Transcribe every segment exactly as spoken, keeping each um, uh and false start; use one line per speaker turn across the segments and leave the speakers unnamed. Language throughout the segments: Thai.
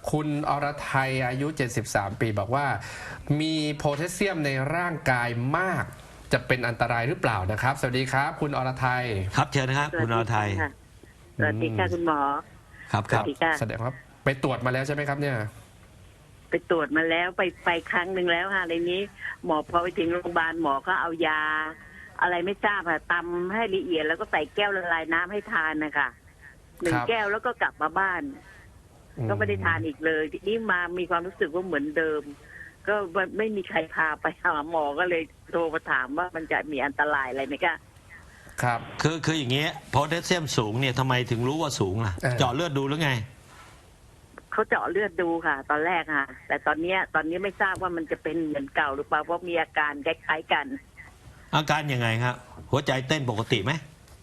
คุณอรไทยอายุเจ็ดสิบสามปีบอกว่ามีโพแทสเซียมในร่างกายมากจะเป็นอันตรายหรือเปล่านะครับสวัสดีครับคุณอรไทย
ครับเชิญนะครับคุณอรไทย
สวัสดีค่ะคุณหมอ
ครับครับ
แสดงว่าไปตรวจมาแล้วใช่ไหมครับเนี่ย
ไปตรวจมาแล้วไปไปครั้งหนึ่งแล้วค่ะในนี้หมอพอไปถึงโรงพยาบาลหมอก็เอายาอะไรไม่ทราบค่ะตำให้ละเอียดแล้วก็ใส่แก้วละลายน้ำให้ทานนะคะหนึ่งแก้วแล้วก็กลับมาบ้านก็ไม่ได้ทานอีกเลยทีนี้มามีความรู้สึกว่าเหมือนเดิมก็ไม่มีใครพาไปหาหมอก็เลยโทรมาถามว่ามันจะมีอันตรายอะไรไหมคะ
ครับคือคืออย่างเงี้ยโพแทสเซียมสูงเนี่ยทำไมถึงรู้ว่าสูงล่ะเจาะเลือดดูหรือไง
เขาเจาะเลือดดูค่ะตอนแรกค่ะแต่ตอนนี้ตอนนี้ไม่ทราบว่ามันจะเป็นเหมือนเก่าหรือเปล่าเพราะมีอาการคล้ายๆกัน
อาการยังไงครับหัวใจเต้นปกติไหม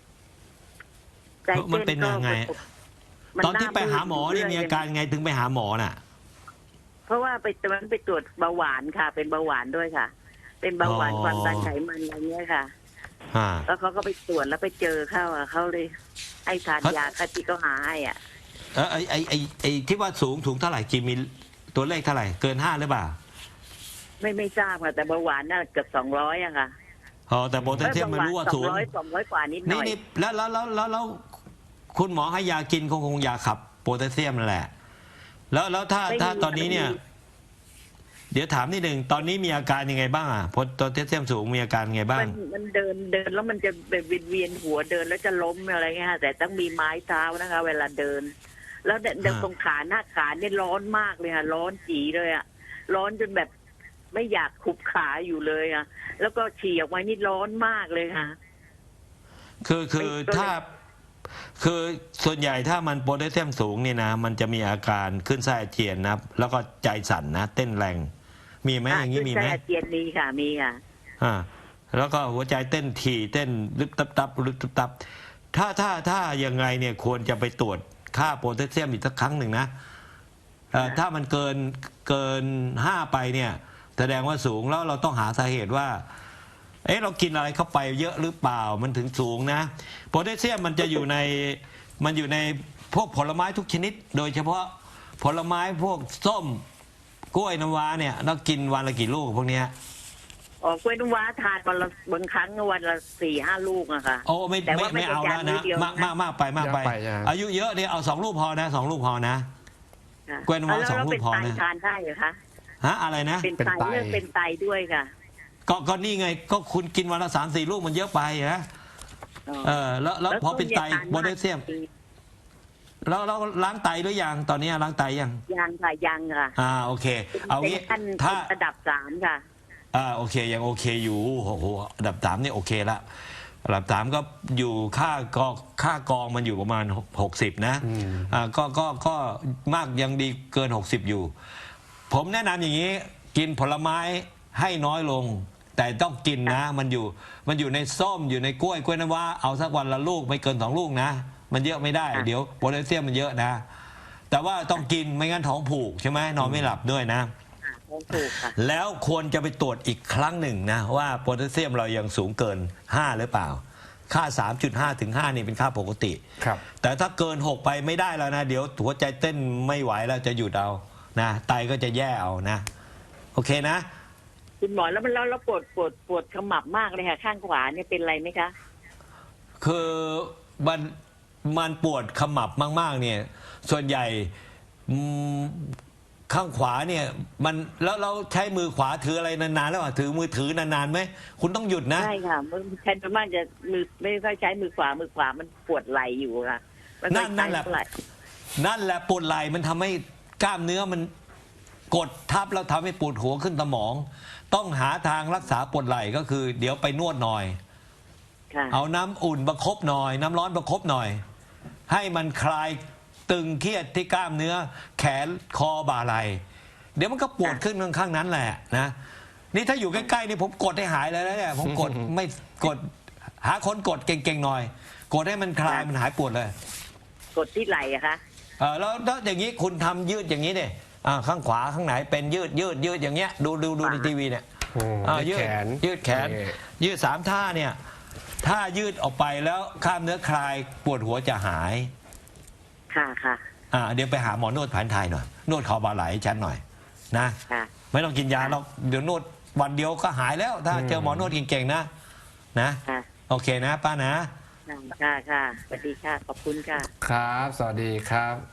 มันเป็นยังไงตอนที่ไปหาหมอนี่มีอาการไงถึงไปหาหมอน่ะ
เพราะว่าไปตอนนั้นไปตรวจเบาหวานค่ะเป็นเบาหวานด้วยค่ะเป็นเบาหวานความดันไขมันอะไรเงี้ยค่ะแล้วเขาก็ไปตรวจแล้วไปเจอเข้าอ่ะเขาเลยให้ทานยาคติเขาหาให้อ่ะ
เออไอไอไอไอที่ว่าสูงถุงเท่าไหร่กี่มิลตัวเลขเท่าไหร่เกินห้าหรือเปล่า
ไม่ไม่ทราบค่ะแต่เบาหวานน่าเกือบสองร้อยอะค่ะ
อ๋อแต่โพแทสเซียมมันรู้ว่าสูง
สองร้อยสองร้อยกว่านิดหน่อย
นี่แล้วแล้วแล้วแล้วแล้วคุณหมอให้ยากินคงคงยาขับโพแทสเซียมนั่นแหละแล้วแล้วถ้าถ้าตอนนี้เนี่ยเดี๋ยวถามนิดหนึ่งตอนนี้มีอาการยังไงบ้างอ่ะโพแทสเซียมสูงมีอาการยังไงบ้าง
มันเดินเดินแล้วมันจะเป็นเวียนหัวเดินแล้วจะล้มอะไรเงี้ยแต่ต้องมีไม้เท้านะคะเวลาเดินแล้วเดินตรงขาหน้าขาเนี่ยร้อนมากเลยค่ะร้อนจีเลยอ่ะร้อนจนแบบไม่อยากขุบขาอยู่เลยอ่ะแล้วก็ฉี่ออกมานี่ร้อนมากเลยค่ะ
คือคือถ้าคือส่วนใหญ่ถ้ามันโพแทสเซียมสูงเนี่ยนะมันจะมีอาการขึ้นไส้อาเจียนนะแล้วก็ใจสั่นนะเต้นแรงมีไหมอย่างนี้มีไหม
ไส้อาเจียนมีค่ะมีค่ะ
อ่าแล้วก็หัวใจเต้นถี่เต้นลึกตับตับลึกตับตับถ้าถ้าถ้ายังไงเนี่ยควรจะไปตรวจค่าโพแทสเซียมอีกสักครั้งหนึ่งนะถ้ามันเกินเกินห้าไปเนี่ยแสดงว่าสูงแล้วเราต้องหาสาเหตุว่าเอ๊ะเรากินอะไรเข้าไปเยอะหรือเปล่ามันถึงสูงนะโพแทสเซียมมันจะอยู่ในมันอยู่ในพวกผลไม้ทุกชนิดโดยเฉพาะผลไม้พวกส้มกล้วยน้ำว้าเนี่ยเรากินวันละกี่ลูกพวกเนี้ย
อ๋อกล้วยน้ำว้าทานวันละบางครั้งวันละสี่ห้าลูกอะค่ะ
โอ้ไม่ไม่ไม่เอาแล้วนะมากมากมากไปมากไปอายุเยอะเนี่ยเอาสองลูกพอนะสองลูกพอนะกล้วยน้ำว้าสองลูกพอนะ
ทานได้เหรอคะ
ฮะอะไรนะ
เป็นไตเลือดเป็นไตด้วยค่ะ
ก็ก็นี่ไงก็คุณกินวันละสามสี่ลูกมันเยอะไปนะเออแล้วแล้วพอเป็นไตโพแทสเซียมแล้วเราล้างไตหรือยังตอนนี้ล้างไตยัง
ยังค่ะยังค่ะ
อ่าโอเคเอางี้
ถ้าระดับสามค่ะ
อ่าโอเคยังโอเคอยู่โอ้โหระดับสามนี่โอเคละระดับสามก็อยู่ค่ากองค่ากองมันอยู่ประมาณหกสิบนะอ่าก็ก็ก็มากยังดีเกินหกสิบอยู่ผมแนะนำอย่างนี้กินผลไม้ให้น้อยลงแต่ต้องกินนะมันอยู่มันอยู่ในส้มอยู่ในกล้วยกล้วยน้ำว้าเอาสักวันละลูกไม่เกินสองลูกนะมันเยอะไม่ได้เดี๋ยวโพแทสเซียมมันเยอะนะแต่ว่าต้องกินไม่งั้นท้องผูกใช่ไหมนอนไม่หลับด้วยนะ
ท้องผูกค่ะ
แล้วควรจะไปตรวจอีกครั้งหนึ่งนะว่าโพแทสเซียมเรายังสูงเกินห้าหรือเปล่าค่า สามจุดห้า ถึงห้านี่เป็นค่าปกติ
ครับ
แต่ถ้าเกินหกไปไม่ได้แล้วนะเดี๋ยวหัวใจเต้นไม่ไหวแล้วจะหยุดเอานะไตก็จะแย่เอานะโอเคนะ
คุณหมอแล้วมันแล้วแล้วปวดปวดปวดขมับมากเลยค่ะข้างขวาเนี่ยเป็นไรไหมคะ
คือมันมันปวดขมับมากๆเนี่ยส่วนใหญ่ข้างขวาเนี่ยมันแล้วเราใช้มือขวาถืออะไรนานๆแล้วอ่ะถือมือถือนานๆไหมคุณต้องหยุดนะ
ใช่ค่ะมันแทนมากจะมือไม่ค่อยใช้มือขวามือขวามันปวดไหล่อยู่ค่ะ
นั่นนั่นแหละนั่นแหละปวดไหล่มันทำให้กล้ามเนื้อมันกดทับแล้วทำให้ปวดหัวขึ้นสมองต้องหาทางรักษาปวดไหล่ก็คือเดี๋ยวไปนวดหน่อยเอาน้ำอุ่นประคบหน่อยน้ำร้อนประคบหน่อยให้มันคลายตึงเครียดที่กล้ามเนื้อแขนคอบ่าไหล่เดี๋ยวมันก็ปวดขึ้นข้างๆนั้นแหละนะนี่ถ้าอยู่ใกล้ๆนี่ผมกดให้หายเลยนะเนี่ยผมกดไม่กดหาคนกดเก่งๆหน่อยกดให้มันคลายมันหายปวดเลย
กดที่ไหล่อะคะ
เออแล้วแล้วอย่างนี้คุณทำยืดอย่างนี้เนี่ยอ่าข้างขวาข้างไหนเป็นยืดยืดยืดอย่างเงี้ยดูดูดูในทีวีเนี่ย
ยืดแขน
ยืดแขนยืดสามท่าเนี่ยถ้ายืดออกไปแล้วกล้ามเนื้อคลายปวดหัวจะหาย
ค่ะค่ะ
อ่าเดี๋ยวไปหาหมอนวดแผนไทยหน่อยนวดคอบ่าไหล่ให้ฉันหน่อยนะ
ค่ะ
ไม่ต้องกินยาหรอกเดี๋ยวนวดวันเดียวก็หายแล้ว ถ้าเจอหมอนวดเก่งๆนะนะ
ค่ะ
โอเคนะป้านะ
ค่ะค่ะสวัสดีค่ะ ขอบคุณค่ะ
ครับ สวัสดีครับ